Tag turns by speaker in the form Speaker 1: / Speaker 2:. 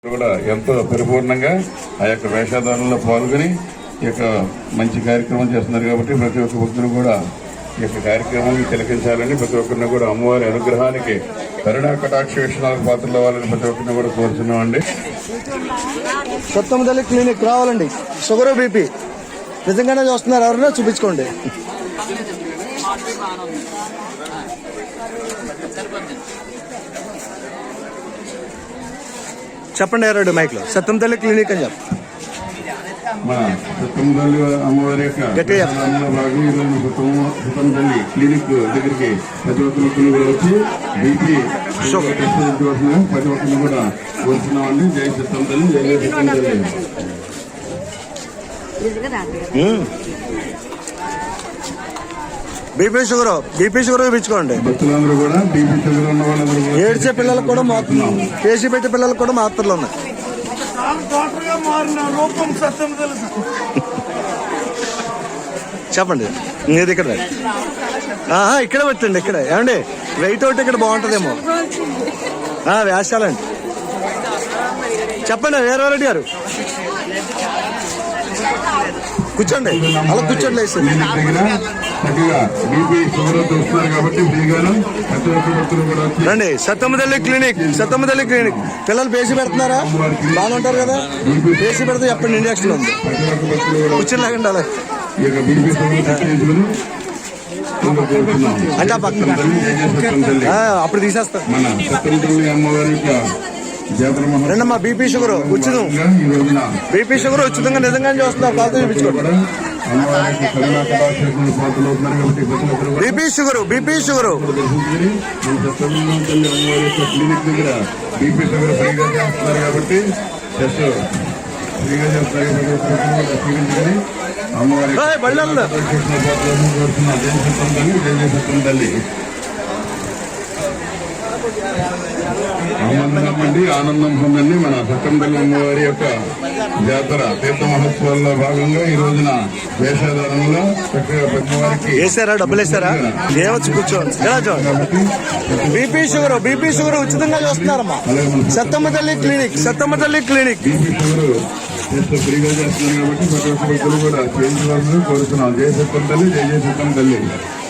Speaker 1: కూడా ఎంతో పరిపూర్ణంగా ఆ యొక్క వేషధారణలో పాల్గొని ఈ యొక్క మంచి కార్యక్రమం చేస్తున్నారు కాబట్టి ప్రతి ఒక్క భక్తులు కూడా ఈ యొక్క కార్యక్రమాన్ని తిలకించాలని, ప్రతి ఒక్కరిని కూడా అమ్మవారి అనుగ్రహానికి కరుణా కటాక్ష వీక్షణాలకు పాత్రలు అవ్వాలని ప్రతి ఒక్కరిని కూడా కోరుతున్నామండి.
Speaker 2: సత్తమతల్లి క్లినిక్ రావాలండి. షుగర్ బీపీ నిజంగానే చూస్తున్నారు, ఎవరైనా చూపించుకోండి. చెప్పండి ఎవరు మైక్ లో సత్తమతల్లి క్లినిక్ అని చెప్పి
Speaker 1: మా సత్తమతల్లి అమ్మవారి యొక్క భాగం ఈరోజు సత్తమతల్లి క్లినిక్ దగ్గరికి ప్రతి ఒక్కరు కూడా వచ్చి బీపీ ప్రతి ఒక్కరిని కూడా కోరుతున్నామండి. జై సత్తమతల్లి, జై సత్తమతల్లి.
Speaker 2: BP sugar ఇప్పించుకోండి.
Speaker 1: భక్తులందరూ కూడా బీపీ షుగర్ ఉన్న వాళ్ళందరూ
Speaker 2: ఏడ్చే పిల్లలకు కూడా కేసీ పెట్టే పిల్లలకు కూడా మాత్రలు ఉన్నాయి. చెప్పండి ఇది ఇక్కడ ఇక్కడ పెట్టండి. ఇక్కడ ఏమండి వెయిట్ అవుట్ ఇక్కడ బాగుంటుందేమో. వేషాలండి. చెప్పండి వీరారెడ్డి గారు కూర్చోండి, అలా కూర్చోండి. రండి సత్తమతల్లి క్లినిక్. పిల్లలు పేసి పెడుతున్నారా? బాగుంటారు కదా. పేసి పెడితే చెప్పండి ఇంజక్షన్ ఉంది. కూర్చొని లాగండి అలా అంటే పక్కన అప్పుడు తీసేస్తాం. రెండమ్మా బీపీ షుగర్ ఉచితం. బీపీ షుగర్ ఉచితంగా నిజంగానే చూస్తున్నారు. కాదు చూపించుకోండి. బీపీ షుగర్
Speaker 1: క్లినిక్ దగ్గర బీపీ షుగర్ ఫ్రీగా చేస్తున్నారు కాబట్టి ఫ్రీగా చేస్తున్నారు. అమ్మవారి ఆనందం పొందండి. మన సత్తమతల్లి అమ్మవారి యొక్క జాతర తీర్థ మహోత్సవాల్లో భాగంగా ఈ రోజున వేషధారణలో చక్కగా పెద్దవారికి
Speaker 2: వేసారా, డబ్బులు వేసారా? కూర్చోండి. బీపీ షుగర్ ఉచితంగా చూస్తున్నారమ్మా. సత్తమతల్లి క్లినిక్
Speaker 1: బీపీ షుగర్ ఫ్రీగా చేస్తున్నారు కాబట్టి ప్రతి ఒక్క భక్తులు కూడా చేయించవలసింది కోరుతున్నాం. జై సత్తమతల్లి, జై సత్తమతల్లి.